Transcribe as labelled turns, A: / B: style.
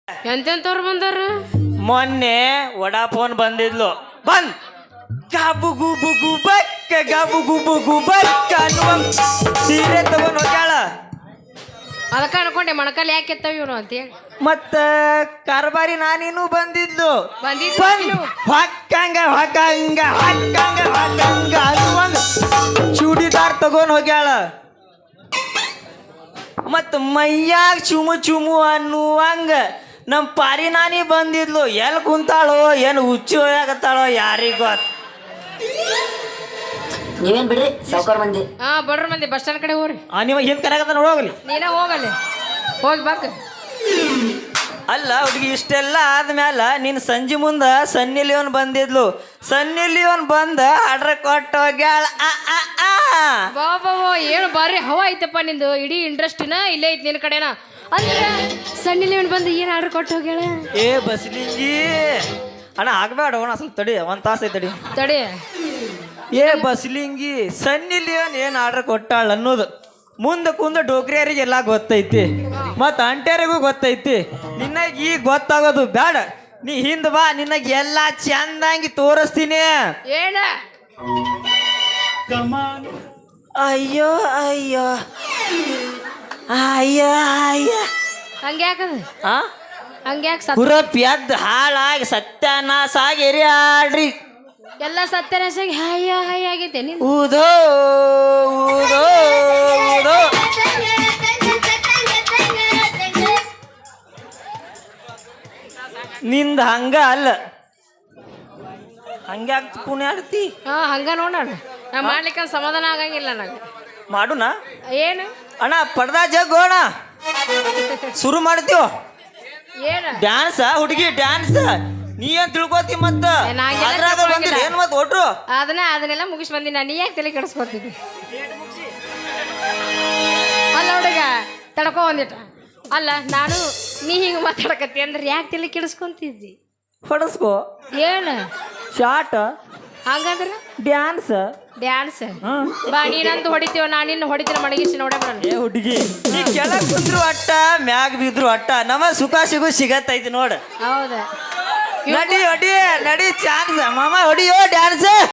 A: ಎಂತೆಂತವ್ರು ಬಂದಾರ
B: ಮೊನ್ನೆ ವಡಾಫೋನ್ ಬಂದಿದ್ಲು ಬಂದ್ ಗಾಬು ಗುಬು ಗುಬಕ್ಕ ಗಾಬು ಗುಬು ಗುಬಕ್ಕ ಅನ್ನುವ ಸೀರೆ ತಗೊಂಡ್ ಹೋಗ್ಯಾಳ.
A: ಅದಕ್ಕ ಅನ್ಕೊಂಡೆ ಮೊಣಕಾಲ್ ಯಾಕೆ ಎತ್ತವ ಇವನು ಅಂತ ಹೇಳಿ
B: ಮತ್ತ ಕಾರ್ಬಾರಿ ನಾನೇನು ಬಂದಿದ್ಲು
A: ಬಂದಿದ್ದು
B: ಹೊಕ್ಕಂಗ ಹೊಕ್ಕಂಗ ಹೊಕ್ಕಂಗ ಹೊಕ್ಕಂಗ ಅನ್ನುವಂಗ ಚೂಡಿದಾರ್ ತಗೊಂಡ್ ಹೋಗ್ಯಾಳ. ಮತ್ತ ಮೈಯಾಗ ಚುಮು ಚುಮು ಅನ್ನುವಂಗ ನಮ್ಮ ಪಾರಿ ನಾನಿ ಬಂದಿದ್ಲು. ಎಲ್ಲಿ ಕುಂತಾಳೋ ಏನು ಹುಚ್ಚು ಆಗತ್ತಾಳೋ ಯಾರಿಗ ಗೊತ್ತ.
C: ನೀವೇನ್ ಬಿಡ್ರಿ ಸಾವ್ಕಾರ ಮಂದಿ.
A: ಹಾ ಬಡ್ರ ಮಂದಿ ಬಸ್ ಸ್ಟ್ಯಾಂಡ್ ಕಡೆ ಹೋಗ್ರಿ.
B: ನಿಮಗೆ ಹಿಂದ್ ಕರೆಗತ್ತ ನೋಡೋಗ್ಲಿ.
A: ನೀನ ಹೋಗಲ್ಲಿ ಹೋಗಿ ಬಾಕ.
B: ಅಲ್ಲ ಹುಡುಗಿ ಇಷ್ಟೆಲ್ಲ ಆದ್ಮೇಲ ನೀನು ಸಂಜೆ ಮುಂದ ಸನ್ನಿ ಲಿಯೋನ್ ಬಂದಿದ್ಲು. ಸನ್ನಿ ಲಿಯೋನ್ ಬಂದ ಆರ್ಡರ್ ಕೊಟ್ಟು ಹೋಗ್ಯಾಳ.
A: ಬಾಬಾ ಏನು ಬಾರಿ ಹವಾ ಐತಪ್ಪ ನಿಂದು. ಇಡೀ ಇಂಡಸ್ಟ್ರಿನ ಇಲ್ಲೇ ಐತಿ ನಿನ್ನ ಕಡೆನ. ಅಂದ್ರೆ ಸಣ್ಣ ಲಿವನ್ ಬಂದು ಏನು ಆರ್ಡರ್ ಕೊಟ್ಟು ಹೋಗ್ಯಾಳ.
B: ಏ ಬಸ್ಲಿಂಗಿ ಅಣ್ಣ ಆಗ್ಬೇಡ ಅಣ್ಣ ಸ್ವಲ್ಪ ತಡಿ ಒಂದ್ ತಾಸ ಐತಡಿ
A: ತಡಿ.
B: ಏ ಬಸ್ಲಿಂಗಿ ಸನ್ನಿ ಲಿಯೋನ್ ಏನು ಆರ್ಡರ್ ಕೊಟ್ಟಾಳ ಅನ್ನೋದು ಮುಂದೆ ಕುಂದ ಡೋಕ್ರಿಯರಿಗೆಲ್ಲ ಗೊತ್ತೈತಿ ಮತ್ತು ಅಂಟ್ಯಾರಿಗೂ ಗೊತ್ತೈತಿ. ನಿನ್ನಗ ಈಗ ಗೊತ್ತಾಗೋದು ಬೇಡ. ನೀ ಹಿಂದ್ ಬಾ, ನಿನಗೆ ಎಲ್ಲ ಚಂದಂಗಿ ತೋರಿಸ್ತೀನಿ.
A: ಏನ
B: ಅಯ್ಯೋ ಅಯ್ಯೋ ಅಯ್ಯ ಅಯ್ಯ
A: ಹಂಗೆ ಯಾಕದ
B: ಆ
A: ಹಂಗೆ ಯಾಕೆ
B: ಪುರಪ್ ಎದ್ದು ಹಾಳಾಗಿ ಸತ್ಯಾನಾಶ ಆಗಿ ಎರಿಯಾಡ್ರಿ.
A: ಎಲ್ಲ ಸತ್ಯನಾಶಾಗಿ ಹಾಯ ಹಾಯ ಆಗೈತೆ ನೀನು.
B: ಊದೋ ಊದೋ ಊದೋ ನಿಂದ ಹಂಗ ಅಲ್ಲ ಹಂಗೆ ಆಗ್ತಿ ಪುಣ್ಯ ಆಡ್ತಿ.
A: ಹಾ ಹಂಗ ನೋಡೋಣ. ನಾ ಮಾಡ್ಲಿಕ್ಕೆ ಸಮಾಧಾನ ಆಗಂಗಿಲ್ಲ ನಂಗೆ.
B: ಮಾಡುಣ
A: ಏನು
B: ಅಣ್ಣ ಪಡ್ದಾ ಜಗ್ಗೋಣ ಶುರು ಮಾಡ್ತೀವ.
A: ಏನು
B: ಡ್ಯಾನ್ಸ ಹುಡುಗಿ ಡ್ಯಾನ್ಸ್ ನೀ ಏನ್ ತಿಳ್ಕೊತಿ ಮತ್ತ ಏನ್ ಮತ್ ಒಟ್ರು
A: ಅದನ್ನೆಲ್ಲ ಮುಗಿಸ್ ಬಂದಿನ. ನೀ ಯಾಕೆ ತಲೆ ಕೆಡಿಸ್ಕೊತಿದ್ದಿ? ಅಲ್ಲ ಹುಡುಗ ತಡ್ಕೊ ಒಂದಿಟ. ಅಲ್ಲ ನಾನು ನೀ ಹಿಂಗೆ ಮಾತಾಡಕತ್ತಿ ಅಂದ್ರೆ ಯಾಕೆ ತಲೆ ಕೆಡಿಸ್ಕೊಂತಿದ್ದಿ?
B: ಹೊಡಸ್ಕೋ.
A: ಏನು
B: ಶಾರ್ಟ್
A: ಹಂಗಂದ್ರ
B: ಡ್ಯಾನ್ಸ್
A: ಡ್ಯಾನ್ಸ್ ಬಾ. ನೀನಂತೂ ಹೊಡಿತೀವ, ನಾನು ನಿನ್ನ ಹೊಡಿತೀನ ಮಡಗಿಸಿ ನೋಡೇ ಬರೋಣ.
B: ಏ ಹುಡುಗಿ ನೀ ಕೆಳಗ್ ಕುಂದ್ರು ಅಟ್ಟ ಮ್ಯಾಗ ಬಿದ್ರು ಅಟ್ಟ ನಮ್ಮ ಸುಖ ಸಿಗು ಸಿಗತ್ತೈತಿ ನೋಡ.
A: ಹೌದಾ
B: ನಡಿ ಹೊಡಿ ನಡಿ ಚಾನ್ಸ್ ಮಾಮ ಹೊಡಿಯೋ ಡ್ಯಾನ್ಸ್.